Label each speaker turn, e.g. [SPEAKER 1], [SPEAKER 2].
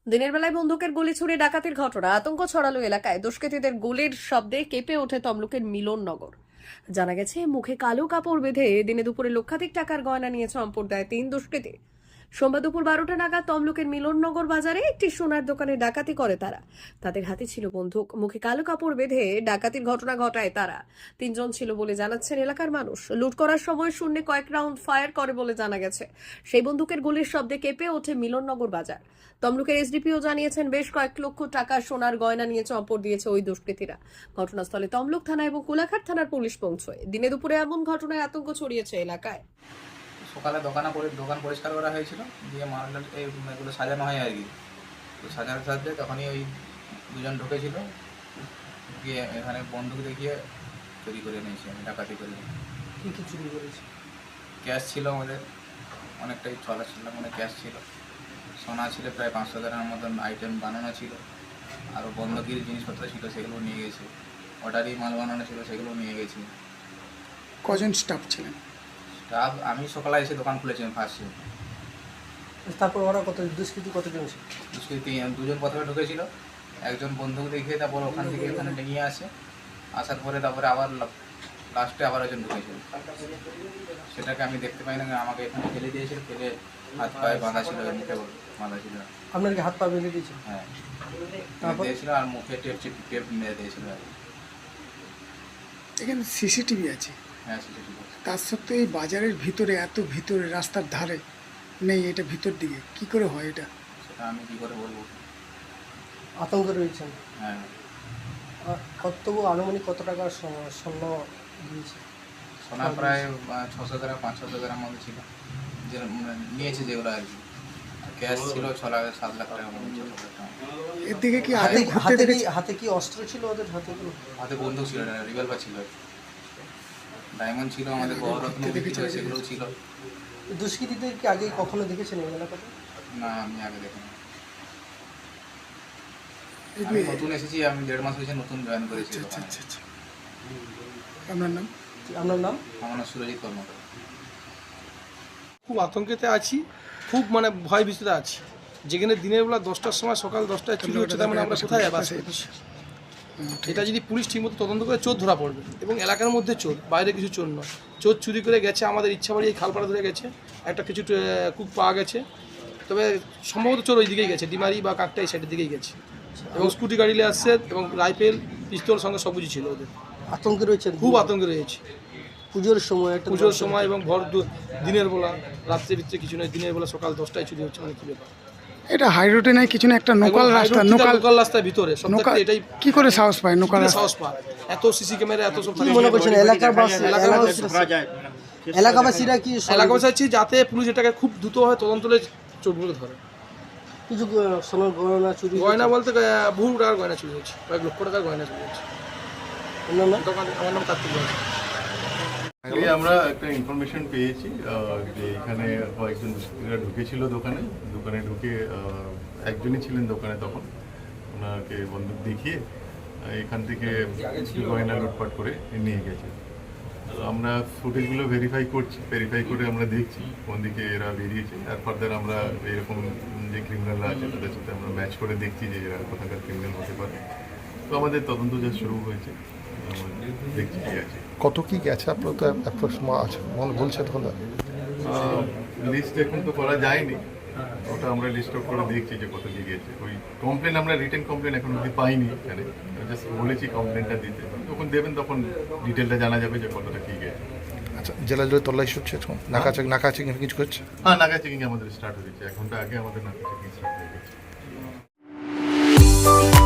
[SPEAKER 1] দিনের বেলায় বন্দুকের গুলি ছুড়ে ডাকাতির ঘটনা আতঙ্ক ছড়ালো এলাকায়। দুষ্কৃতীদের গুলির শব্দে কেঁপে ওঠে তমলুকের মিলননগর। জানা গেছে, মুখে কালো কাপড় বেঁধে দিনে দুপুরে লক্ষাধিক টাকার গয়না নিয়ে চম্পট দেয় 3 দুষ্কৃতী। সোমবার দুপুর 12টা নাগাদ তমলুকের মিলননগর বাজারে একটি সোনার দোকানে ডাকাতি করে তারা। তাদের হাতে ছিল বন্দুক, মুখে কালো কাপড় বেঁধে ডাকাতির ঘটনা ঘটায় তারা। 3 জন ছিল বলে জানাচ্ছেন এলাকার মানুষ। লুট করার সময় শূন্যে কয়েক রাউন্ড ফায়ার করে বলে জানা গেছে। সেই বন্দুকের গুলির শব্দে কেঁপে ওঠে মিলননগর বাজার। তমলুকের এসডিপিও জানিয়েছেন, বেশ কয়েক লক্ষ টাকা সোনার গয়না নিয়ে চম্পট দিয়েছে ওই দুষ্কৃতীরা। ঘটনাস্থলে তমলুক থানা এবং কোলাঘাট থানার পুলিশ পৌঁছয়। দিনে দুপুরে এমন ঘটনায় আতঙ্ক ছড়িয়েছে এলাকায়।
[SPEAKER 2] সকালে দোকান পরিষ্কার করা হয়েছিল, দিয়ে মাল এগুলো সাজানো হয় আর কি। তো সাজানোর সাথে তখনই ওই দুজন ঢুকেছিল, গিয়ে এখানে বন্দুক দেখিয়ে চুরি করে নিয়েছি, আমি ডাকাতি করে।
[SPEAKER 3] কী কী চুরি করেছে?
[SPEAKER 2] ক্যাশ ছিল আমাদের, অনেকটাই চলা ছিল, মানে ক্যাশ ছিল, সোনা ছিল প্রায় 500 গ্রামের মতন আইটেম বানানো ছিল, আরও বন্ধকির জিনিসপত্র ছিল সেগুলো নিয়ে গেছে, অর্ডারি মাল বানানো ছিল সেগুলো নিয়ে গেছি।
[SPEAKER 3] কজন স্টাফ ছিলেন?
[SPEAKER 2] স্টাফ আমি সকালে এসে দোকান খুলেছিলাম ফার্স্টে।
[SPEAKER 3] তারপর ওরা দুষ্কৃতী কতজন ছিল?
[SPEAKER 2] দুষ্কৃতী দুজন প্রথমে ঢুকেছিল, একজন বন্দুক দেখিয়ে তারপর ওখান থেকে এখানে নিয়ে আসার পরে তারপরে আবার লাস্টে আবার একজন ঢুকেছিল। সেটাকে আমি দেখতে পাই না, আমাকে এখানে ফেলে দিয়েছিল, ফেলে হাত পায়ে বাঁধা ছিল, মুখে বাঁধা ছিল।
[SPEAKER 3] আপনার কি হাত পা বেঁধে দিয়েছিল?
[SPEAKER 2] হ্যাঁ,
[SPEAKER 3] তারপর?
[SPEAKER 2] দিয়েছিল আর মুখে টেপ মেরে দিয়েছিল আর কি।
[SPEAKER 4] এখানে সিসিটিভি আছে,
[SPEAKER 2] হ্যাঁ সেটা।
[SPEAKER 4] তার সত্ত্বেও এই বাজারের ভিতরে, এত ভিতরে, রাস্তার ধারে নেই, এটা ভিতর দিকে কি করে হয় এটা?
[SPEAKER 2] সেটা আমি কী করে বলবো।
[SPEAKER 3] আতঙ্ক রয়েছেন?
[SPEAKER 2] হ্যাঁ,
[SPEAKER 3] তবু আনুমানিক কত টাকার স্বর্ণ দিয়েছে?
[SPEAKER 2] সোনা প্রায় 600 গ্রাম 500 গ্রাম মতো ছিল, যে নিয়েছে যেগুলো আর কি। ক্যাশ ছিল 6 লাখ 7 লাখ টাকার মতো ছিল।
[SPEAKER 4] এর দিকে কি আগে ঘুরতে দেখেছি?
[SPEAKER 3] হাতে কি অস্ত্র ছিল ওদের হাতে?
[SPEAKER 2] হাতে বন্দুক ছিল না, রিভলভার ছিল, ডায়মন্ড ছিল, আমাদের বড়রত্ন ছিল, সেগুলো ছিল।
[SPEAKER 3] দুষ্কৃতীদের কি আগে কখনো দেখেছেন এই এলাকাতে?
[SPEAKER 2] না, আমি আগে দেখিনি।
[SPEAKER 4] এই
[SPEAKER 2] আমি
[SPEAKER 4] যে-
[SPEAKER 2] নতুন এসেছি, আমি 1.5 মাস হয়েছে নতুন জয়েন করেছি।
[SPEAKER 4] আচ্ছা আচ্ছা আচ্ছা। আপনার নাম?
[SPEAKER 3] আপনার নাম?
[SPEAKER 2] আমার নাম সুরজিৎ কর্মকার।
[SPEAKER 5] খুব আতঙ্কেতে আছি, খুব ভয় ভীতিতে আছি। যেখানে দিনের বেলা 10টার সময়, সকাল 10টায় চুরি হচ্ছে, তার মানে আমরা কোথায় বাস করছি? এটা যদি পুলিশ ঠিকমতো তদন্ত করে, চোর ধরা পড়বে। এবং এলাকার মধ্যে চোর, বাইরে কিছু চোর নয়। চোর চুরি করে গেছে, আমাদের ইচ্ছা বাড়ি এই খালপাড়া ধরে গেছে, একটা কিছু কুক পাওয়া গেছে। তবে সম্ভবত চোর ওই দিকেই গেছে, ডিমারি বা কাকটা এই সাইডের দিকেই গেছে। এবং স্কুটি গাড়ি নিয়ে আসছে, এবং রাইফেল, পিস্তল সঙ্গে সব কিছু ছিল ওদের।
[SPEAKER 3] আতঙ্কে রয়েছেন?
[SPEAKER 5] খুব আতঙ্কে রয়েছে।
[SPEAKER 3] পুজোর সময়
[SPEAKER 5] পুজোর সময় এবং দিনের বেলা, রাত্রের ভিতরে কিছু নয়, দিনের বেলা সকাল 10টায় চুরি হচ্ছে, মানে কি ব্যাপার?
[SPEAKER 4] এটা হাই রোডে নাই, কিছু না, একটা নোকাল রাস্তা,
[SPEAKER 5] লোকাল রাস্তার ভিতরে সব
[SPEAKER 4] নোকাল।
[SPEAKER 5] এটাই
[SPEAKER 4] কি করে সাহস পায় নোকাল
[SPEAKER 5] কিভাবে
[SPEAKER 4] রাস্তা?
[SPEAKER 5] সাহস পায়? এত সিসি ক্যামেরা, এত সব
[SPEAKER 3] কি মনে করছেন এলাকাবাসীরা কি
[SPEAKER 5] এলাকাবাসী চাচ্ছি যাতে পুলিশ এটাকে খুব দ্রুতভাবে তদন্ত করে চোরগুলো ধরে।
[SPEAKER 3] কিছু সোনার গয়না চুরি?
[SPEAKER 5] গয়না বলতে বহু টাকার গয়না চুরি হচ্ছে, কয়েক লক্ষ টাকার গয়না চুরি হচ্ছে।
[SPEAKER 3] আপনার নাম?
[SPEAKER 5] আমার নাম কার্তিক রায়।
[SPEAKER 6] আগে আমরা একটা ইনফরমেশন পেয়েছি যে এখানে কয়েকজন দুষ্কৃতীরা ঢুকেছিল দোকানে ঢুকে একজনই ছিলেন দোকানে তখন, ওনাকে বন্দুক দেখিয়ে এখান থেকে কিছু গয়না লুটপাট করে নিয়ে গেছে। তো আমরা ফুটেজগুলো ভেরিফাই করে আমরা দেখছি কোন দিকে এরা বেরিয়েছে, আর ফার্দার আমরা এরকম যে ক্রিমিনালরা আছে তাদের সাথে আমরা ম্যাচ করে দেখছি যে এরা কোথাকার ক্রিমিনাল হতে পারে। তো আমাদের তদন্ত যা শুরু হয়েছে, দেখছি কি আছে।
[SPEAKER 7] কত কি গেছে আপনার তো আছে বলছেন হলো?
[SPEAKER 6] লিস্ট এখন তো করা যায়নি, ওটা আমরা লিস্ট আউট করে দেখছি যে কত কি গেছে। ওই কমপ্লেন, আমরা রিটেন কমপ্লেন এখন অব্দি পাইনি এখানে, জাস্ট বলেছি কমপ্লেনটা দিতে, যখন দেবেন তখন ডিটেলটা জানা যাবে যে কতটা কি গেছে।
[SPEAKER 7] আচ্ছা, জেলা জুড়ে তল্লাশি হচ্ছে এখন, নাকা চেকিং কিছু করছে?
[SPEAKER 6] হ্যাঁ, নাগা চেকিং আমাদের স্টার্ট হয়েছে, 1 ঘন্টা আগে আমাদের নাকা চেকিং স্টার্ট হয়ে গেছে।